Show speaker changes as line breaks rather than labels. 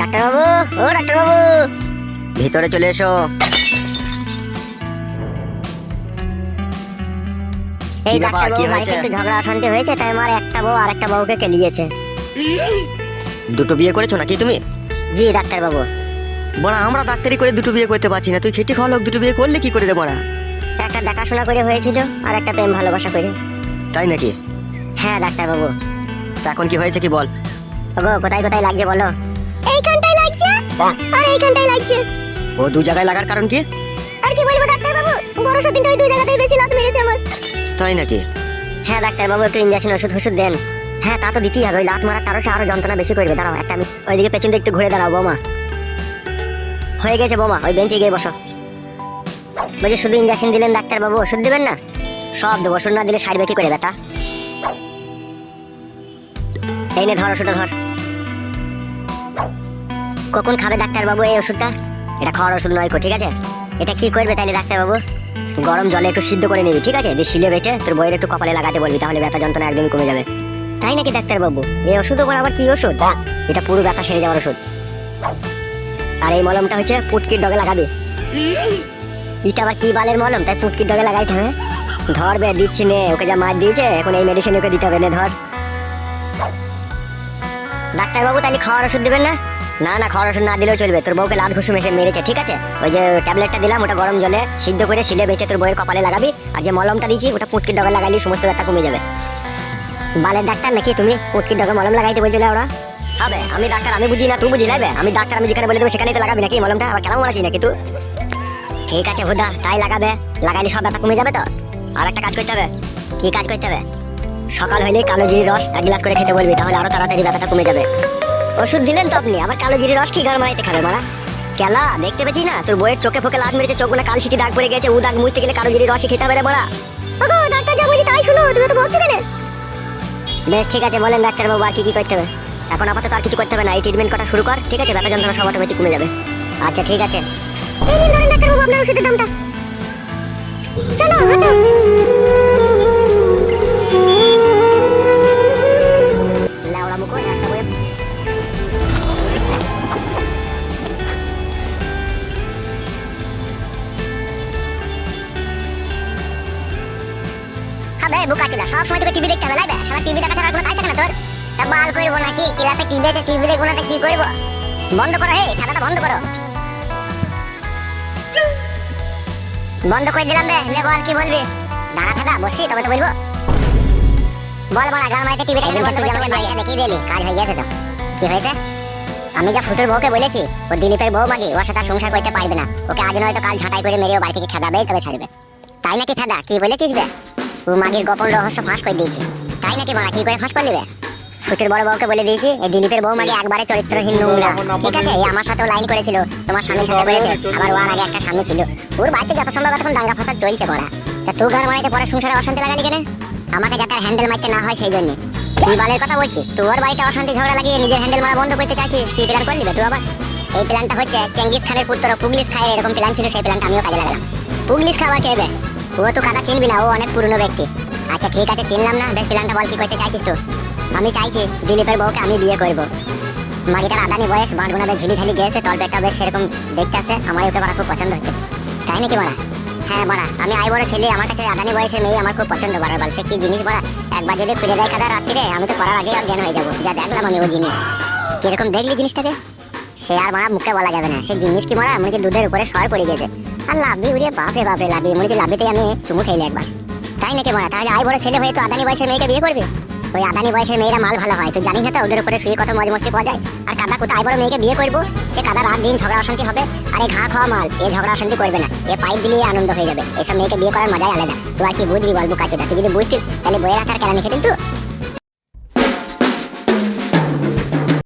ডাক্তারবাবু, ও ডাক্তারবাবু, ভিতরে চলে এসো। এই ডাক্তারবাবু, বাড়িতে একটু ঝগড়া অশান্তি হয়েছে, তাই আমার একটা বউ আর একটা বউকে কেলিয়েছে।
দুটো বিয়ে করেছো নাকি তুমি?
জি ডাক্তারবাবু।
বড়া, আমরা ডাক্তারি করে দুটো বিয়ে করতে পারছি না, তুই খেটে খাওয়া লোক দুটো বিয়ে করলে কি করে রে বড়া?
একটা দেখাশোনা করে হয়েছিল আর একটা প্রেম ভালোবাসা করে।
তাই নাকি?
হ্যাঁ ডাক্তারবাবু।
তা এখন কি হয়েছে কি বল?
ওগো, কোথায় কোথায় লাগছে বলো? এইখানটায় লাগছে আর এইখানটায় লাগছে।
ও দু জায়গায় লাগার কারণ কি?
আর কি বলবো ডাক্তারবাবু, বড় সত্যিটা ওই দুই জায়গাতেই বেশি লাত মেরেছে আমার।
তাই নাকি?
হ্যাঁ ডাক্তারবাবু, একটু ইনজেকশন ওষুধ দেন। হ্যাঁ, তা তো দিতেই হবে, ওই লাত মারার তারও আরো যন্ত্রণা বেশি করবে। দাঁড়াও একটা, আমি ওইদিকে পেছন দিকে একটু ঘুরে দাঁড়াও। বৌমা, হয়ে গেছে বৌমা, ওই বেঞ্চে গিয়ে বসো। বলছি, শুধু ইনজেকশন দিলেন ডাক্তারবাবু, ওষুধ দিবেন না? সব দেবো, ওষুধ না দিলে সারবে কি করে ব্যথা? এই নে ধর ওষুধটা ধর। কখন খাবে ডাক্তারবাবু এই ওষুধটা? এটা খাওয়ার ওষুধ নয়, ঠিক আছে? এটা কি করবে তাইলে ডাক্তারবাবু? গরম জলে একটু সিদ্ধ করে নিবি, ঠিক আছে? দিয়ে শিলে বেটে তোর বইয়ের একটু কপালে লাগাতে বলবি, তাহলে ব্যথা যন্ত্রণা একদমই কমে যাবে। তাই নাকি ডাক্তারবাবু? এই ওষুধ আবার কি ওষুধ? এটা পুরো ব্যথা সেরে যাওয়ার ওষুধ। আর এই মলমটা হচ্ছে পুটকির ডগে লাগাবি। এটা আবার কি বালের মলম তাই পুটকির ডগে লাগাইতে হবে? ধর বে, দিচ্ছি নে, ওকে যা মার দিয়েছে এখন এই মেডিসিন ওকে দিতে হবে, নে ধর। ডাক্তারবাবু, তাহলে খাওয়ার ওষুধ দেবেন না? না না, খাওয়ার ওষুধ না দিলেও চলবে, তোর বউকে লাত ঘুষুম এসে মেরেছে, ঠিক আছে? ওই যে ট্যাবলেটটা দিলাম ওটা গরম জলে সিদ্ধ করে শিলে বেটে তোর বউয়ের কপালে লাগাবি, আর যে মলমটা দিয়েছি ওটা পুটকির ডগে লাগাইলে সমস্ত ব্যথা কমে যাবে। বালের ডাক্তার নাকি তুমি? পুটকির ডগে মলম লাগাইতে বলছিলে ওরা? হবে, আমি ডাক্তার, আমি বুঝি না তুই বুঝি লাইবে? আমি ডাক্তার, আমি যেখানে বলে দেবো সেখানেই তো লাগাবি নাকি মলমটা? আবার কেমন মারাচ্ছি নাকি তুই? ঠিক আছে হুদা, তাই লাগাবে, লাগাইলে সব ব্যথা কমে যাবে তো। আর একটা কাজ করতে হবে। কি কাজ করতে হবে? সকাল হইলে কালো জিরির রস 1 গ্লাস করে খেতে বলবি, তাহলে আরো তাড়াতাড়ি ব্যথাটা কমে যাবে। ওষুধ দিলেন তো আপনি, আবার কালো জিরির রস কি গান মারাইতে খাবে মারা? কেলা দেখতে পেয়েছি না তোর বইয়ের চোখে ফোকে লাত মেরেছে, চোখ গুলো কাল সিটি দাগ পড়ে গেছে, ও দাগ মুছতে গেলে কালো জিরির রসই খেতে হবে রে মারা। ওগো ডাক্তার, যা বলি তাই শুনো, তুমি তো বকছো কেন? বেশ ঠিক আছে, বলেন ডাক্তারবাবু আর কি কি করতে হবে? এখন আপাতত আর কিছু করতে হবে না, এই ট্রিটমেন্ট করা শুরু কর, ঠিক আছে? ব্যথা যন্ত্রণা সব অটোমেটিক কমে যাবে। আচ্ছা ঠিক আছে, এই নিন ধরেন ডাক্তারবাবু আপনার ওষুধের দামটা। চলো হাঁটো। লাউড়া মুখো একটা বই। হবে বুকাচোদা, সব সময় তোকে টিভি দেখতে হবে লাইবে? শালা টিভি দেখা ছাড়া কোনো কাজ থাকে না তোর? তা বাল করবো নাকি ক্লাসে টিভি আছে, টিভি দেখবো না তো কি করবো? বন্ধ করো, হে খাতাটা বন্ধ করো। বন্ধ করে দিলাম বে, লে বল কি বলবি? দাঁড়া থাকা, বসি তবে তো বলবো। বল বড়া, গান মাইতে টিভি দেখতে বন্ধ করতে বলবি, এটা দেখিয়ে দিলি, কাজ হয়ে গেছে তো। কি হয়েছে? আমি যা ফুটের বউকে বলেছি, ও দিলীপের বউ মাগি, ওর সাথে সংসার করতে পারবে না, ওকে আজ নয়তো কাল ঝাঁটাই করে মেরে ও বাড়ি থেকে খেদাবেই তবে ছাড়বে। তাই নাকি ফেদা? কি বলেছিস বে? ও মাগির গোপন রহস্য ফাঁস করে দিয়েছি। তাই নাকি মারা? কি করে ফাঁস করলি বে? ফুটের বড় বউকে বলে দিয়েছি এই দিলীপের বউ মাগি একবারে চরিত্রহীন নোংরা, ঠিক আছে? এই আমার সাথেও লাইন করেছিল, তোমার স্বামীর সাথে করেছে, আবার ওর আগে একটা স্বামী ছিল। ওর বাড়িতে যত সম্ভব এখন দাঙ্গা ফাসাদ চলছে পড়া। তা তুই ঘর মারাইতে পরে সংসারে অশান্তি লাগালি কেন? আমাকে যাতে হ্যান্ডেল মারতে না হয় সেই জন্য। কি বালের কথা বলছিস? তোর বাড়িতে অশান্তি ঝগড়া লাগিয়ে নিজের হ্যান্ডেল মারা বন্ধ করতে চাইছিস? কি প্ল্যান করলি বে তুই আবার? এই প্ল্যানটা হচ্ছে চেঙ্গিস খানের পুত্র পুগলিশ খায়ের এরকম প্ল্যান ছিল, সেই প্ল্যানটা আমিও কাজে লাগালাম। পুগলিশ খাওয়া কে বে? ও তো কাদা চিনবি না, ও অনেক পুরনো ব্যক্তি। আচ্ছা ঠিক আছে, চিনলাম না, বেশ প্ল্যানটা বল কি করতে চাইছিস তুই? আমি চাইছি দিলীপের বউকে আমি বিয়ে করব। মাগিটার আদানি বয়স, বাঁটগুনা বেশ ঝুলি ঝালি গেছে, তল পেটটা বেশ সেরকম দেখতে আছে, আমার ওকে বাড়া খুব পছন্দ হচ্ছে। তাই নাকি বাড়া? হ্যাঁ বাড়া, আমি আই বড় ছেলে, আমার কাছে আদানি বয়সের মেয়ে আমার খুব পছন্দ। বাড়া বল, সে কি জিনিস বাড়া? একবার যদি খুলে দেয় কাদা রাত্রিরে, আমি তো করার আগেই অজ্ঞান হয়ে যাবো। যা দেখলাম আমি ও জিনিস, কিরকম দেখলি জিনিসটাকে? সে আর মারা মুখে বলা যাবে না, সে জিনিস কি মারা মনে হচ্ছে দুধের উপরে সর পড়ে গেছে। আর লাভি উড়িয়ে বাপরে বাপরে লাভি, মনে হচ্ছে লাভিতেই আমি চুমু খেলে একবার। তাই নাকি মারা? তাহলে আই বড় ছেলে হয়ে তো আদানি বয়সের মেয়েকে বিয়ে করবে? ওই আদানি বয়সের মেয়েরা মাল ভালো হয়, তো জানিস না তো ওদের উপরে শুয়ে কত মজ মস্তি পাওয়া যায়। আর কাদা কোথায় বড় মেয়েকে বিয়ে করবো, সে কাদা রাত দিন ঝগড়া অশান্তি হবে। আর এই ঘা খাওয়া মাল এ ঝগড়া অশান্তি করবে না, এ পাইপ দিলেই আনন্দ হয়ে যাবে। এসব মেয়েকে বিয়ে করার মজাই আলাদা। তুই আর কি বুঝবি বলবো কাছে? তুই যদি বুঝতিস তাহলে বইয়ের আকার কেন লিখে দিন।